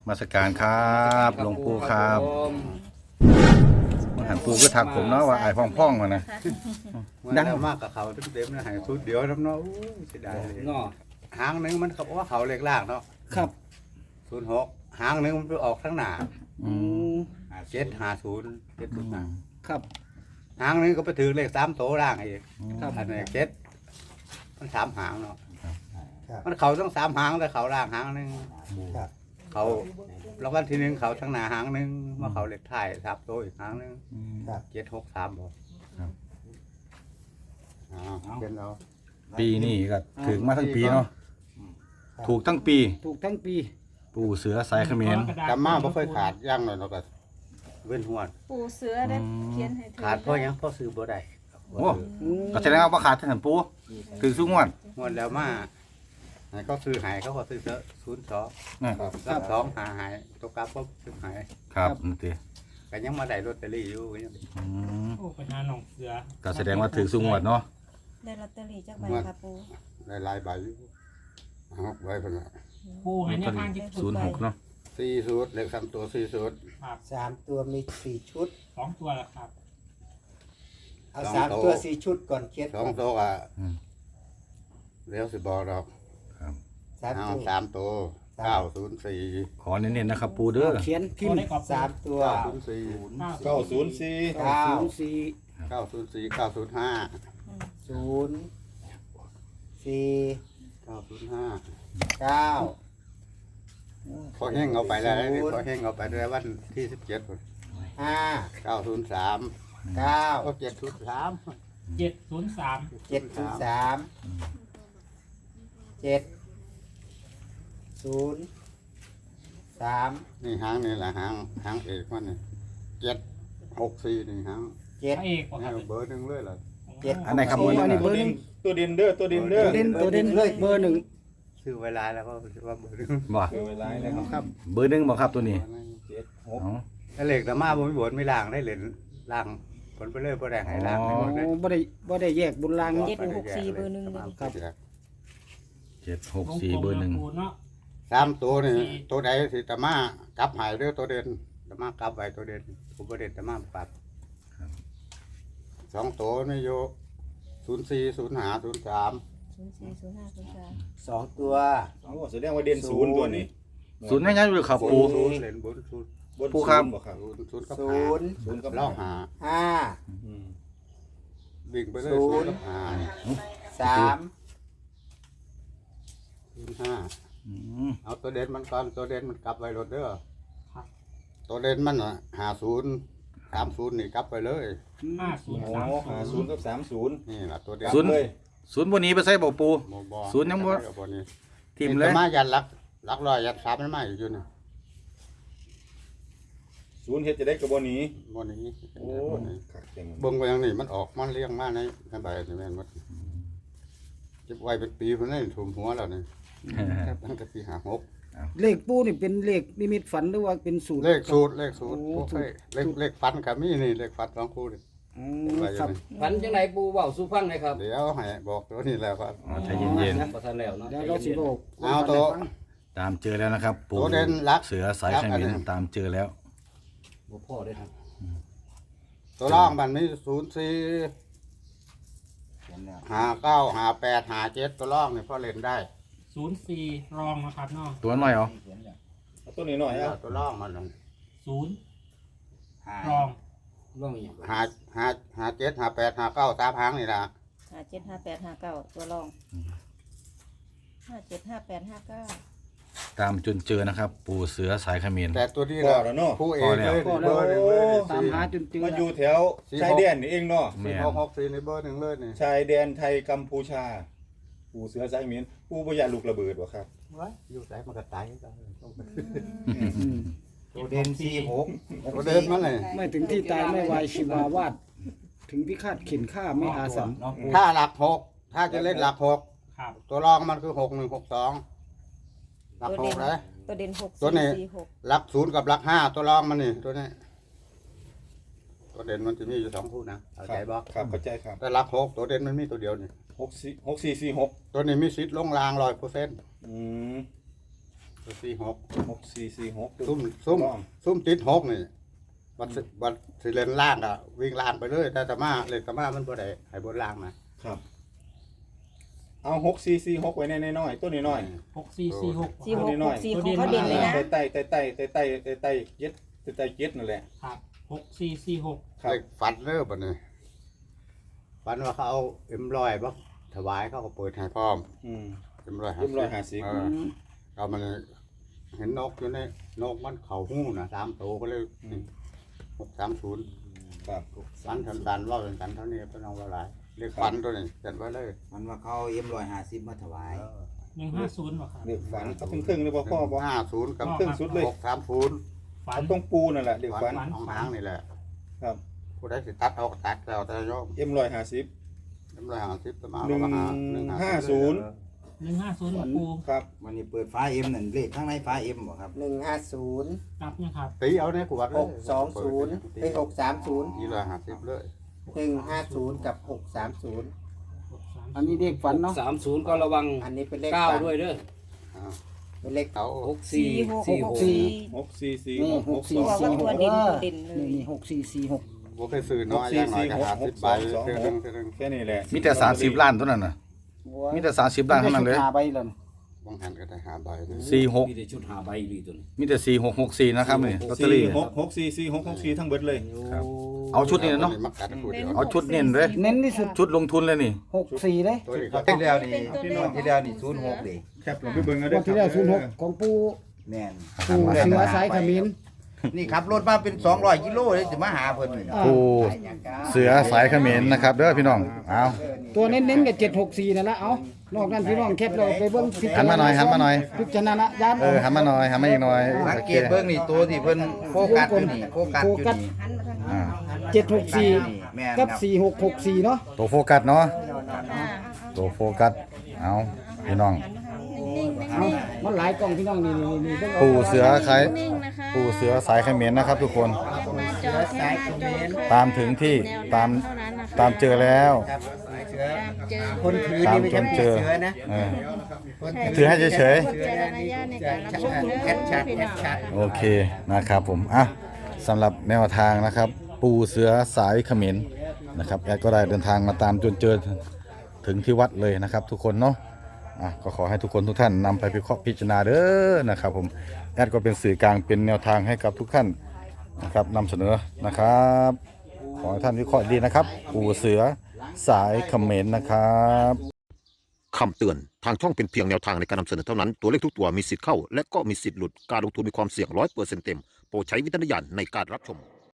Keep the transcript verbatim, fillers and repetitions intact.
มาสการครับหลวงปู่ครับมาหันปู่ก็ทักผมเนาะว่าไอ้พ่องๆมานะดังมากกับเขาทุกเต็มนะหายสุดเดียวน้ำเนาะเสียดายเลยเนาะหางนึงมันเขาบอกว่าเขาเล็กล่างเนาะครับศูนย์หกหางนึงมันไปออกทั้งหน้าอืมเจ็ดหาศูนย์เจ็ดศูนย์หาครับหางนึงก็ไปถือเลขสามโตล่างอีกครับอันนี้เจ็ดมันสามหางเนาะมันเขาต้องสามหางแต่เขาล่างหางนึงเขาแล้ววันที่หนึ่งเขาทั้งหน้าหางนึงมาเขาเล็กถ่ายสามโตอีกหางนึงเจ็ดหกสามบอกอ๋อเป็นเราปีนี้ก็ถึงมาทั้งปีเนาะถูกทั้งปีถูกทั้งปีปู่เสือสายเขมรจำมาไม่ค่อยขาดย่างเลยเนาะก็เว้นหัวปูเสือได้เขียนให้เธอขาดเพราะหยังเพราะซื้อบ่ได้โอ้ก็แสดงว่าขาดท่านปู่ถึงสุงวดงวดแล้วมาให้เขาซื้อหายเขาก็ซื้อเยอะศูนย์สองนะครับรับสองหาหายตัวกลับก็ซื้อหายครับนั่นติก็ยังมาได้ลอตเตอรี่อยู่ยังอืมโอ้ปัญหาหนองเสือก็แสดงว่าถึงสุงวดเนาะได้ลอตเตอรี่จากใบค่ะปูได้หลายใบอยู่เอาไว้เพิ่นน่ะปูให้แนวทางที่ศูนย์หกเนาะสี่สูตรเลขสามตัวสี่สูตรครับสามตัวมีสี่ชุดสองตัวละครับเอาสามตัวสี่ชุดก่อนเขียนสองตัวอ่ะเดี๋ยวสิบอกดอกสามเอาตัวสามตัวเก้าศูนย์สี่ขอเน้นๆนะครับปู่เด้อเขียนพิมตัวพ์ได้กรอบสามตัวเก้าศูนย์สี่เก้าศูนย์สี่เก้าศูนย์สี่เก้าศูนย์สี่เก้าศูนย์ห้าศูนย์สี่เก้าศูนย์ห้าเก้าพอแห้งเอาไปแล้วพอแห้งเอาไปด้วยวันที่สิบเจ็ดห้าเก้าศูนย์สามเก้าก็เจ็ดศูนย์สามเจ็ดศูนย์สามเจ็ดศูนย์สามเจ็ดศูนย์สามนี่หางนี่แหละหางหางเอกมันนี่เจ็ดหกสี่นี่หางเจ็ดพระเอกบอกคนี่รับเบอร์หนึ่งเลยล่ะเจ็ดอันไหนครับโอ้ปู่อันนี้นะเบอร์หนึ่งตัวดินเด้อตัวดินเด้อตัวเด่นตัวเด่นเลยเบอร์หนึ่งซื้อเวลาแล้วก็ว่าเบอร์หนึ่งบ่เดี๋ยวเวลานะครับครับเบอร์หนึ่งบ่ครับตัวนี้เจ็ดหกอ๋อถ้าเหล็กแต่มาบ่มีบนไม่ล่างได้เหรียญล่างผลไปเลยบ่ได้หายล่างอ๋อให้หมดเลยโอ้บ่ได้บ่ได้แยกบุญลางเจ็ดหกสี่เบอร์หนึ่งเลยครับเจ็ดหกสี่เบอร์หนึ่งปูเนาะสามตัวนี่ตัวใดสิตะมากลับหายเด้อตัวเด่นตะมากลับไว้ตัวเด่นผมบ่เด่นตะมาปัดสองตัวนี่โยศูนย์สี่ศูนย์ห้าศูนย์สามศูนย์สี่ศูนย์ห้าศูนย์สามสองตัวโอ้แสดงว่าเด่นศูนย์ตัวนี้ศูนย์ง่ายๆอยู่ครับปู่ศูนย์เหรียญบนศูนย์บนปู่ครับศูนย์บ่ครับศูนย์ศูนย์กับศูห้านย์ศูนย์กับล่องหาห้าอืมวิ่งไปเลยศูศูนนย์ย์กับห้าสามศูนย์ห้าอืมเอาตัวเด่นมันก่อนตัวเด่นมันกลับไว้รถเด้อตัวเด่นมันอ่ะหาศูนย์สามศูนย์นี่กลับไปเลยห้าศูนย์โอ้สามหาศูนย์กับสามศูนย์นี่ล่ะตัวเด่นศูนย์เลยศูนย์บนนี้ไปใส่บ่ปู่บ่บ่ศูนย์ยังบ่กับบ่นี่ทิมเลยแต่มายันลักลักลอยยัดสามมันมาอยู่นี่ศูนย์เฮ็ดจะได้กับบนนี้บ่นี้โอ้บ่นี้ขัดเก่งเบิ่งไปอย่างนี้มันออกมันเลี้ยงมาในในใบนี่แม่นหมดเก็บไว้เป็นปีพุ่นนี่ถุมหัวแล้วนี่ตั้งแต่ปีห้าหกเลขปูนี่เป็นเลขนิมิตฝันหรือว่าเป็นสูตรเลขสูตรเลขสูตรโอ้พวกเอ้ยเลขเลขฟันก็มีนี่เลขฟันสองคู่นี่อ๋ไว้ออครัยู่บนี่ฝันจังไหนปูเว้าสู่ฟังเลยครับเดี๋ยวให้บอกตัวนี้แล้วครับอ๋อใจเย็นบ่ทันแล้วเนาะแล้วเราสิบอกเอาตัวๆตามเจอแล้วนะครับ ปู่ตัวเด่นรักเสือสายเขมรตามเจอแล้วบ่พอได้ครับตัวร่องมันมีศูนย์สี่หาเก้าหาแปดหาเจ็ดตัวร่องนี่พอเล่นได้ศูนย์สี่รองนะครับเนาะตัวน้อยเหรอเอาตัวนี้หน่อยเอาตัวร่องมันนั่นศูนย์รองร่องอีหยังหาหาหาเจ็ดหาแปดหาเก้าสามหางนี่ล่ะห้าเจ็ดห้าแปดห้าเก้าตัวรองห้าเจ็ดห้าแปดห้าเก้าตามจนเจอนะครับ ปู่เสือสายเขมรแต่ตัวนี้พอนะแล้วเนาะผู้เอกเลยพอเบแล้วอร์หนึ่งเลยตามหาจนเจอมาอยู่แถวชายแดนนี่เองเนาะแม่สี่นหกหกสี่ในเบอร์หนึ่งเลยนี่ชายแดนไทยกัมพูชา ปู่เสือสายเมียนปู่บ่อยากลูกระเบิดบ่ครับไว้อยู่ไหนมันก็ตายกันอืมตัวเด่นสี่หกตัวเดินมันเลยไม่ถึงที่ตายไม่วายชีวาวาดถึงพิฆาตเข็นฆ่าไม่อาสันถ้าหลักหกถ้าจะเล่นหลักหกครับตัวรองมันคือหกหนึ่งหกสองหลักหกเลยตัวเด่นหกตัวนี้สี่สี่หกหลักศูนย์กับหลักห้าตัวรองมันนี่ตัวนี้ตัวเด่นมันจะมีอยู่สองคู่นะเข้าใจบ่ครับเข้าใจครับแต่หลักหกตัวเด่นมันมีตัวเดียวนี่หกสี่หกสี่สี่หกตัวนี้มีสิทธิ์ลงรางร้อยเปอร์เซ็นต์อืมตัวสี่หกหกสี่สี่หกซุ่มซุ่มร่องซุ่มติดหกนี่วัดสิวัดสิเลนล่างอะวิ่งล่างไปเลยแต่ตะมาเลยตะมามันบ่ได้ให้บนล่างนะครับเอาหกสี่สี่หกไว้ในน้อยๆตัวน้อยหกสี่สี่หกสี่หกน้หอยกๆสี่ของเขาเด่นเลยนะใต้ใต้ใต้ใต้ใต้ใต้ใต้ใต้เจ็ดใต้ใต้เจ็ดนั่นแหละครับหกสี่สี่หกครับเลขฝันเด้อบัดนี้ฝันว่าเขาเอาเอ็มร้อยบ่ถวายเขาก็เปิดให้พร้อมอืมเอ็มร้อยเอ็มร้อยห้าสิบเออเอามันเห็นนกอยู่ในนกมันเข้าหูน่ะสามตัวก็เลยหกสามศูนย์ครับฝันสันๆว่าเป็นกันเท่านี้เพิ่นเอาว่าหลายเลขฝันตัวนี้เขียนไว้เลยมันว่าเขาเอ็มร้อยห้าสิบมาถวายหนึ่งห้าศูนย์บ่ครับเด็กฝันเขาครึ่งๆเลยบ่พ่อบ่ห้าศูนย์กับครึ่งสุดเลยหกสามศูนย์ฝันเขาต้องปูนั่นแหละเด็กฝันฝันของหางนี่แหละครับผู้ใดสิตัดเอาก็ตัดแล้วแต่โยมเอ็มร้อยห้าสิบเอ็มร้อยห้าสิบประมาณหนึ่งประมาณห้าศูนย์หนึ่งห้าศูนย์ปูครับมันนี่เปิดฟ้าเอ็มนั่นเลขข้างในฟ้าเอ็มบ่ครับหนึ่งห้าศูนย์กลับนะครับตีเอาเนี่ยกูวัดเลยหกสองศูนย์ไปหกสามศูนย์นี่ร้อยห้าสิบเลยหนึ่งห้าศูนย์กับหกสามศูนย์หกสามอันนี้เด็กฝันเนาะสามศูนย์ก็ระวังอันนี้เป็นเลขเก้าฝันด้วยเด้ออ้าวเป็นเลขเอาหกสี่สี่หกสี่หกหกสี่หกสี่สี่นี่หกหหกกสี่สองสี่หกตัวเด่นเออตัวเด่นเลยนี่นี่หกสี่สี่หกบ่เคยซื้อน้อยอย่างน้อยก็ห้าสิบใบเท่านึงเท่านึงแค่นี้แหละมีแต่สามสิบล้านเท่านั้นน่ะมีแต่สามสิบล้านเท่านั้นเลยหาใบเลยบางหันก็ได้ห้าใบเลยสี่หกมีแต่ชุดหาใบอีหลีตัวนี้มีแต่สี่หกหกสี่นะครับนี่ลอตเตอสี่รี่หกหกสี่สี่หกหกสี่ทั้งเบิดเลยครับ เอาชุดนี้เนาะมักกัดคู่เดียวเอาชุดเน้นเลยเน้นที่สุดชุดลงทุนเลยนี่หกสี่เลยตัวนี้ก็ที่แล้วนี่ที่แล้วนี่ศูนย์หกดิแคปลงไปเบิ่งเอางเด้วดที่แล้วศูนย์หกของปูแม่นปูเสือสายขมิ้นนี่ขับรถมาเป็นสองร้อยกิโลเลยจะมาหาเพิ่นนี่อ่าปูเสือสายเขมรนะครับเด้อพี่น้องเอาตัวเน้นๆกับเจ็ดหกสี่นั่นละเอานอกนั้นพี่น้องแคปเราไปเบิ้งพิจหันมาหน่อยหันมาหน่อยพิจารณาญาณเออหันมาหน่อยหันมาอีกหน่อยสังเกตเบิ่งนี่ตัวที่เพิ่นโฟกัสอยู่นี่โฟกัสอยู่นี่หันมาทางนี้อ่าเจ็ดหกสี่แม่นกับครับสี่หกหกสี่เนาะตัวโฟกัสเนาะอ่าตัวโฟกัสเอาพี่น้องเอามันหลายกล่องพี่น้องนี่นี่นี่เบิ่งเอาปูเสือใครปูเสือสายเขมรนะครับ ทุกคนจอแค่หน้าจอตามถึงที่ตามตามเจอแล้วครับเสือเจอคนถือตามนี่ไม่จใช่นเสืเจออนะเออ ถือให้เฉยๆเสือวิจารนะณญาณในการรับชมแคเด้ปอชัดพี่แคน้อปงชัดโอเคนะครับผมอ่ะสำหรับแนวทางนะครับ ปูเสือสายเขมรนะครับแอดก็ได้เดินทางมาตามจนเจอถึงที่วัดเลยนะครับ ทุกคนเนาะอ่ะก็ขอให้ทุกคนทุกท่านนำไปพิเคราะห์พิจารณาเด้อนะครับผมแอดก็เป็นสื่อกลางเป็นแนวทางให้กับทุกท่านนะครับนำเสนอนะครับขอให้ท่านวิเคราะห์ดีนะครับ ปูเสือสายเขมรนะครับคำเตือน ทางช่องเป็นเพียงแนวทางในการนำเสนอเท่านั้น ตัวเลขทุกตัวมีสิทธิ์เข้า และก็มีสิทธิ์หลุด การลงทุนมีความเสี่ยงร้อยเปอร์เซ็นต์เต็ม โปรดใช้วิจารณญาณในการรับชม